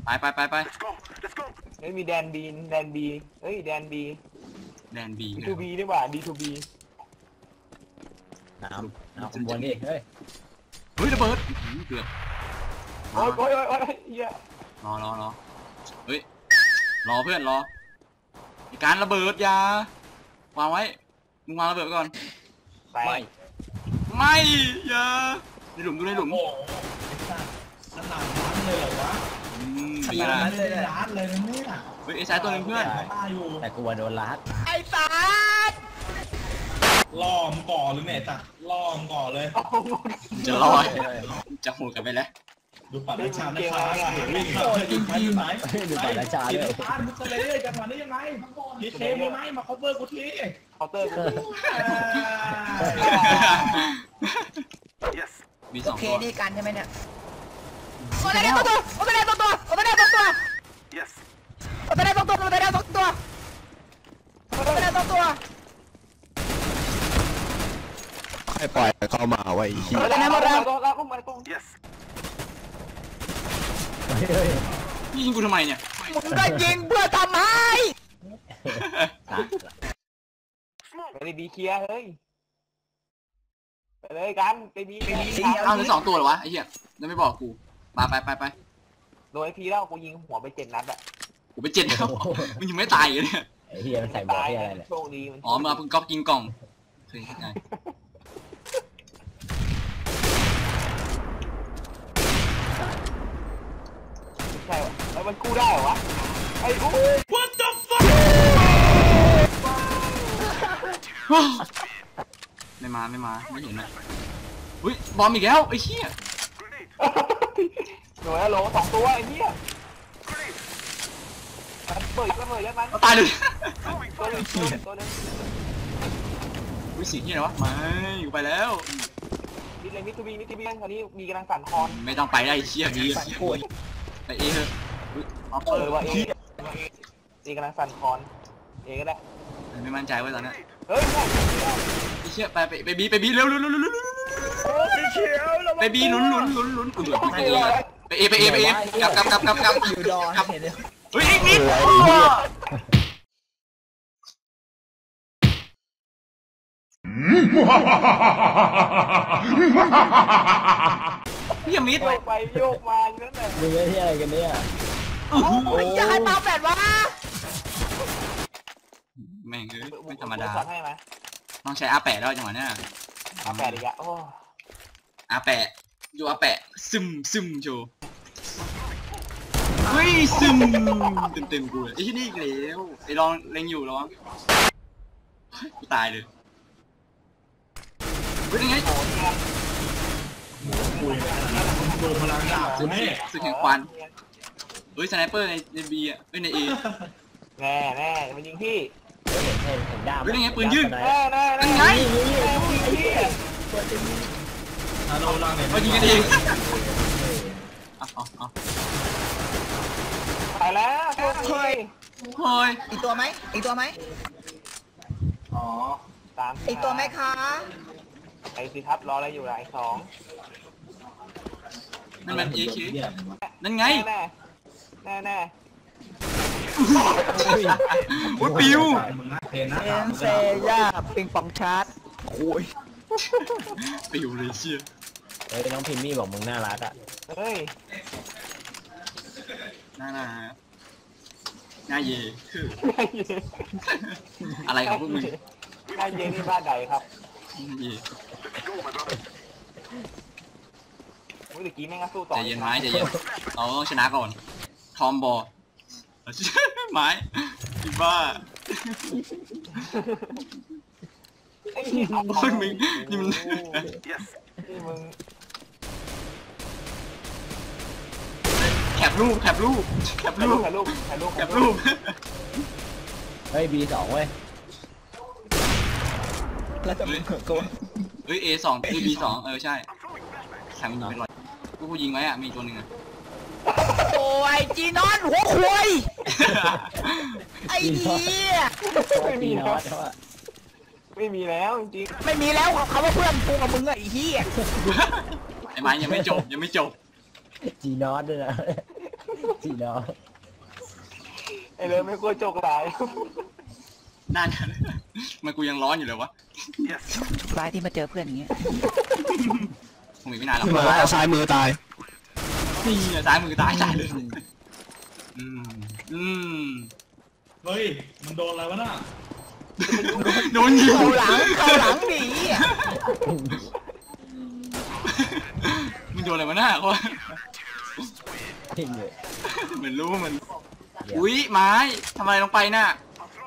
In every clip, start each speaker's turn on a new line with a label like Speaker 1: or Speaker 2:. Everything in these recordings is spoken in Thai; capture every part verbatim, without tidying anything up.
Speaker 1: ไปไปไปไป
Speaker 2: เฮ้ยมีแดนบีแดนบีเฮ้ยแดนบี
Speaker 1: แดนบี
Speaker 2: ดีทูบีดีกว่าดีทูบี
Speaker 3: น้ำน้ำบนดิเฮ้ย
Speaker 1: เฮ้ยระเบิดเกือบ
Speaker 2: โอ้ยโอ้ยโอ้ยโอ้ยเหี้ย
Speaker 1: รอรอรอเฮ้ยรอเพื่อนรอการระเบิดยาวางไว้มึงวางระเบิดก่อน
Speaker 2: ไม่
Speaker 1: ไม่อย่าในหลุมดูในหลุม
Speaker 4: ขนาดร้านเลยเหรอวะขนาดนั้นเลยร้านเลยนะเนี่ย
Speaker 1: เฮ้ยไอ้สายตัวนึงเพื่อน
Speaker 3: แต่กูโดนลัด
Speaker 2: ไอ้สาด
Speaker 4: ล่อมก่อหรือไงจ้ะล่อมก่อเลย
Speaker 1: จะลอยจะหูกันไปแล้ว
Speaker 4: ดูปัดราชานะครับจริงจริงไหม
Speaker 3: ดูปัดราชาเลย
Speaker 4: ร้านมึงจะเลยจังหวะนี้ยังไงพีเคมีไหมมา cover กูที
Speaker 2: เคาน์เตอร์
Speaker 1: มีสองตัว
Speaker 2: นี่กันใช่ไหมเนี่ยโอ้ยได้ตัวตัวโอ้ยได้ตัวตัวโอ้ยได้ตัวตัวโอ้ยได้ตัวตัวโอ้ยได้ตัวตัวโอ้ยได้ตัวตัว
Speaker 5: ให้ปล่อยเข้ามาไว้ที่
Speaker 2: โอ้ยได้หมดแล้วแล้วก็มาตรง
Speaker 1: นี่ยิงกูทำไมเนี่ย
Speaker 2: มึงได้ยิงเพื่อทำให้ไปเลยบีเคลียร์เฮ้ยไปเลยกันไปบีไปบี
Speaker 1: เอาเลยสองตัวเหรอวะไอ้เหี้ยแล้วไม่บอกกูมาไปไปไป
Speaker 2: โดยพีแล้วกูยิงหัวไปเจ็ดนัดอะ
Speaker 1: กูไปเจ็ดแล้วมันยังไม่ตายเลยเนี่ย
Speaker 3: ไอ้เหี้ยมันใส่บอลที่อะไรเนี่ย
Speaker 2: โชคดี
Speaker 1: อ๋อมาเพิ่งก๊อปกินกล่องเคยไง
Speaker 2: ใช่แล้วมันกู้ได้เหรอวะไอ้กู
Speaker 1: What the fuck ไม่มาไม่มาไม่เห็นนะอุ้ยบอมอีกแล้วไอ้เหี้ย
Speaker 2: หน่วยโหลสองตัวไอ้เหี้ยมันเปิดก็เปิดแล้วมัน
Speaker 1: ตายเลย
Speaker 2: ตัวนึงตัวนึง
Speaker 1: วิสีเหี้ยวะไม่อยู่ไปแล้ว
Speaker 2: มิดเลยมิดทูบีมิดทูบีคราวนี้มีกำลังสั่นคอน
Speaker 1: ไม่ต้องไปได้เชี่ยดีไปเอเถอะ
Speaker 2: ออฟเฟอร์ว่าเอเอกำลังสั่นคอนเอก็ได้
Speaker 1: ไม่มั่นใจไว้ตอนนี้
Speaker 2: เฮ้ย
Speaker 1: ไอ้เชี่ยไปไปบีไปบีเร็วเร็วเร็วเร็วไปบีลุ้นลุ้นลุ้นลุ้นกูเดือดไปเอไปเอไปเอกลับกลับกลับกลับกลับ
Speaker 3: อยู่ดอ
Speaker 1: กลับเฮ้ยอีกนิดพี่มิด
Speaker 2: โยกไปโยกมาอย่างนั้นแหละ
Speaker 3: มึงที่อะไรกันเนี่ย
Speaker 2: โอ้ยจะให้มาแบบว่า
Speaker 1: แม่งเอ้ยไม่ธรรมดาต้องใช้อาแปะแล้วจังหวะเนี้ย
Speaker 2: อาแปะอีกอะโอ้
Speaker 1: อาแปะอยู่อาแปะซึมซึมโชว์เฮ้ยซึมเต็มเต็มกูเลยไอ้ที่นี่อีกแล้วไอ้ลองเล็งอยู่แล้วกูตายเลยเป็นยังไง
Speaker 4: ดูพลังดาบ
Speaker 1: สึกสึกแห่งควันเฮ้ยสไนเปอร์ในในบีอ่ะเฮ้ยในเอ
Speaker 2: แน่แน่มันยิงพี่
Speaker 3: เห็นเห็นดาบ
Speaker 1: เฮ้ยยังไงปืนยืน
Speaker 2: แน่แน่แน่
Speaker 1: ยังไง
Speaker 4: ฮัลโหลล่างเนี่ย
Speaker 1: มายิงกันเองอ๋ออ๋อ
Speaker 2: ไปแล้วเฮ้ย
Speaker 1: เฮ้ย
Speaker 6: อีกตัวไหมอีกตัวไหม
Speaker 2: อ๋อตาม
Speaker 6: อีกตัวไหมคะ
Speaker 2: ไอซีทับรออะไรอยู่หลายสอง
Speaker 1: นั่นมันเอเคนั่นไง
Speaker 2: แน่แน่แน่
Speaker 1: โอ้ยปิว
Speaker 6: เอ็นเซย่าปิงปองชาร์จโอ้ย
Speaker 1: ปิวเลยเชี่ย
Speaker 3: เฮ้ยน้องพิมมี่บอกมึงน่ารักอ่ะ
Speaker 2: เฮ้ย
Speaker 1: น่าน่าน่าเย่คืออะไรของพวกมึง
Speaker 2: น่าเย่นี่บ้านใดครับ
Speaker 1: เย่
Speaker 2: เมื่อกี้แม่งก็สู้ต่อ
Speaker 1: ใจเย็นไม้ใจเย็นเราต้องชนะก่อนทอมบอลไม้อีบ้าโอ้ยมึงนี่มัน
Speaker 2: นี่มึง
Speaker 1: แคปรูปแคปรูปแคปรูป
Speaker 2: แคปรูปแคปรูป
Speaker 1: แคปรูป
Speaker 3: เฮ้ยบีสองเว้ย
Speaker 6: แล้วจะมึงโกน
Speaker 1: เฮ้ยเอสองคือบีสองเออใช่แข่งมันยิงไปลอยกูกูยิงไว้อะมีตัวหนึ่งอะ
Speaker 6: โอ้ยจีนอนหัวควายไอ้เหี้ย
Speaker 2: ไม่มีแล้วไม่มีแล้วจริง
Speaker 6: ไม่มีแล้วเขาว่าเพื่อนกูกับมึงไอ้เหี้ย
Speaker 1: ไอ้ไม้ยังไม่จบยังไม่จบ
Speaker 3: จีนอสด้วยนะจีน้อง
Speaker 2: ไอ้เรื่องไม่ควรโจกหลาย
Speaker 1: นั่นมันกูยังร้อนอยู่เลยวะ
Speaker 6: ร้ายที่มาเจอเพื่อนอย่างเงี้ย
Speaker 1: คงอีกไม่นานหรอก
Speaker 5: มาซ้ายมือตาย
Speaker 1: นี่อะซ้ายมือตายตายเลยอืมอืม
Speaker 4: เฮ้ยมันโดนอะไรวะน่ะ
Speaker 1: โดนยิง
Speaker 6: เข้าหลังเข้าหลังหนีอ่ะ
Speaker 1: มึงโดนอะไรมาหน้าเขา
Speaker 3: ทิ้งเลย
Speaker 1: เหมือนรู้มันอุ้ยไม้ทำอะไรลงไปน่ะ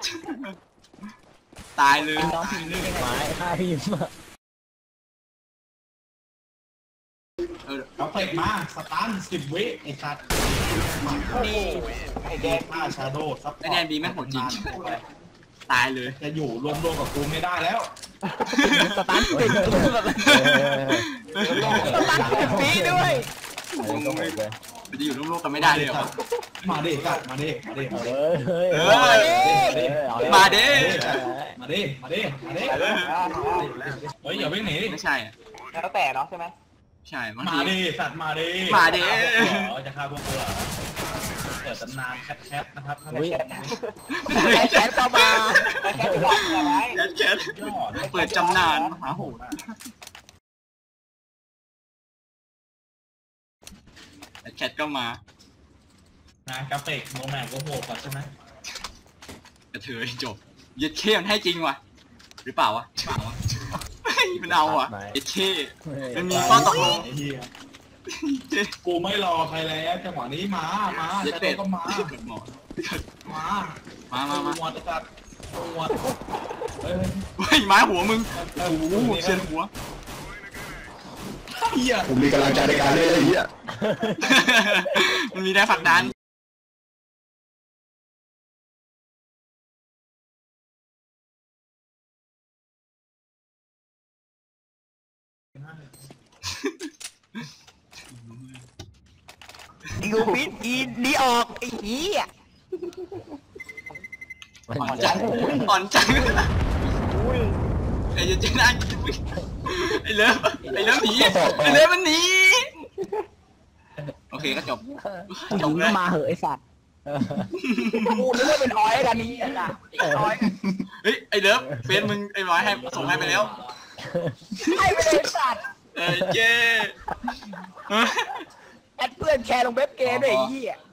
Speaker 1: ตายเลย
Speaker 6: น้องพิมพ์นี่ยังไง
Speaker 3: ไม้ฆ่าพิมพ์อะ
Speaker 1: เออ
Speaker 4: เอาเตะมาสตันสิบวิไอ้สัตว์
Speaker 2: นี่ไอ้แดง
Speaker 4: ฆ่าชาโดซับ
Speaker 1: ไอแดนบีแม่งโหดจริงตายเลย
Speaker 4: จะอยู่รวมๆกับกูไม่ได้แล้ว
Speaker 6: สตันติดแบบ
Speaker 3: เออ
Speaker 6: สตันติดปีด้วย
Speaker 3: เออก็หมดเลย
Speaker 1: มันจะอยู่ร่วมๆกันไม่ได้เลยเหรอ
Speaker 4: มาดิสัตว์มาดิมาดิมาดิ
Speaker 3: เฮ้ยเฮ้ย
Speaker 1: เอ
Speaker 3: เฮ้ย
Speaker 1: อ
Speaker 3: เอาเลย
Speaker 1: มาเด้
Speaker 4: มาดิมาดิมาดิเฮ้ยอย่าวิ่งหนี
Speaker 1: ไม่ใช่อะ
Speaker 2: แล้วแต่เนาะใช่ไหม
Speaker 1: ใช่บาง
Speaker 4: มา
Speaker 1: ที
Speaker 4: ดิสัตว์มาดิ
Speaker 1: มาดิ
Speaker 4: จะฆ่าพวกกูเหรอเปิดตำนานแคทๆนะครับ
Speaker 3: อุ้ย
Speaker 6: ไอ้แขนเข้ามา
Speaker 2: แค่บอกใช่ไหม
Speaker 1: แคทแคทเปิดจำนานมหาโหดแคทก็มา
Speaker 4: นะกราฟิกโมแมนก็โหดกว่าใช่ไหม
Speaker 1: กระเทยจบยึดเข้มันให้จริงวะหรือเปล่าวะเปล่าวะเฮ้ยมันเอาอ่ะยึดเข้มันมีข้อตกลง
Speaker 4: ไอ้เหี้ยกูไม่รอใครแล้วจังหวะนี้มามา
Speaker 1: ยึด
Speaker 4: จะโด
Speaker 1: เป็ด
Speaker 4: นก็มา
Speaker 1: หมอ
Speaker 4: มา
Speaker 1: มามามา
Speaker 4: หมดจัดหมดเฮ้ย
Speaker 1: เฮ้ยไม้หัวมึงโอ้โหเชียนหัว
Speaker 4: เหี้ย
Speaker 5: ผมมีกำลังใจในการเล่นไอ้เหี้ย
Speaker 1: มันมีแรงผลักดัน
Speaker 6: ยูปิดอีนีออกไอ้เหี้ย
Speaker 3: มัน
Speaker 1: อ่อน
Speaker 3: จะ
Speaker 1: จังอ่อนจังไอ้เจน่าไอ้เลิฟไอ้เลิฟหนีไอ้เลิฟมันหนีโอเคก็จบจบ
Speaker 6: มึง
Speaker 1: เล
Speaker 6: ก็
Speaker 1: ย
Speaker 6: มาเหอะไอ้สัตว์กูนึกว่าเป็นออยกันนี้อ่ะออย
Speaker 1: เฮ้ยไอ้เลิฟเฟซมึงไอ้ร้อยให้ส่งให้ไปแล้ว
Speaker 6: ไอ้ไม่ได้สัตว์
Speaker 1: เออเจ้
Speaker 6: แอดเพื่อนแชร์ลงเว็บเกมด้วยไอ้เหี้ย